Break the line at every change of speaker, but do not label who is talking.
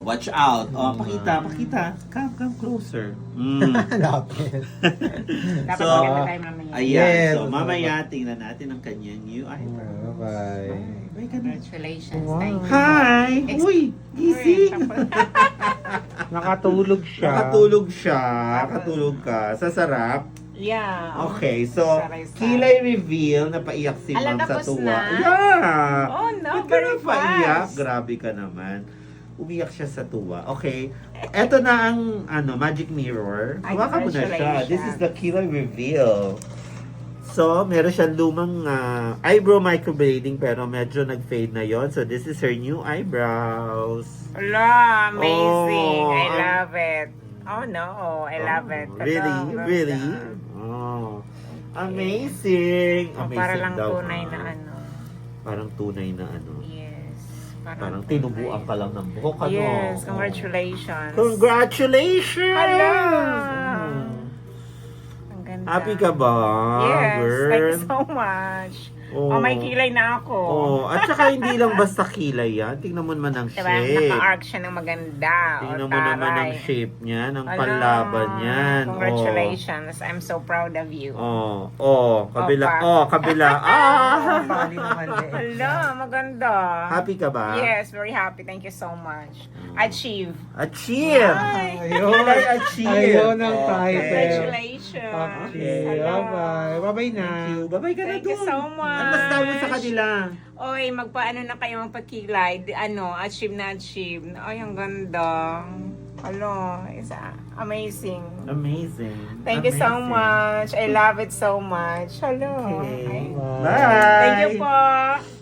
Watch out. Oh, pakita. Come closer.
Lapit.
Dapat
So,
maganda tayo mamaya.
Ayan.
Yes.
So, mamaya tingnan natin ang kanyang new eyebrow.
Bye.
Bye ka na.
Congratulations.
Wow.
Thank you.
Hi! Uy! Gising!
Nakatulog siya.
Nakatulog siya. Nakatulog ka. Sa sarap.
Yeah.
Okay, so,
Saray-saray.
kilay reveal na paiyak si
Ala,
Ma'am sa
tapos
tuwa.
na?
Yeah!
Oh, no,
Ba't ka
very
na paiyak?
fast.
Grabe ka naman. Umiyak siya sa tuwa. Okay. Eto na ang magic mirror.
Ay,
Hawakan mo na siya.
congratulations.
This is the kilay reveal. So, meron siyang lumang eyebrow microblading pero medyo nag-fade na yon. So, this is her new eyebrows.
Ala, amazing.
Oh,
I love it. Oh no, I love it.
Really? Oh. Amazing.
Oh,
Amazing
para lang
daw,
tunay
ah.
na ano.
Parang tunay na ano.
Yes.
Parang tinubuan ka lang ng buhok, ano?
Yes, congratulations.
Congratulations!
Hala!
Mm.
Ang ganda.
Happy ka ba,
Yes,
girl?
thank you so much. Oh, may kilay na ako.
Oh, at saka hindi lang basta kilay yan. Tingnan mo naman ang
Diba?
shape.
Naka-arc siya ng maganda.
Tingnan
O,
mo naman ang
taray.
shape niya, ng
Ala,
panlaban niyan.
Congratulations. I'm so proud of you.
Kabila.
Opa.
Kabila.
Bali naman eh.
Hala, maganda.
Happy ka ba?
Yes, very happy. Thank you so much. Achieve.
Achieve!
Ayun.
Kilay achieve!
Ayun ang title.
Congratulations.
Okay,
Hala.
bye-bye. Bye-bye na.
Thank you. Bye-bye ka na
Thank you
dun.
so much.
Ano mas tawag sa kanila?
Oy, magpaano na kayo ang pagkilay. Achieve na achieve. Ay, ang ganda. Hello, it's amazing.
Amazing.
Thank you so
Amazing.
much. I love it so much. Hello.
Okay.
Bye.
Bye.
Thank you po.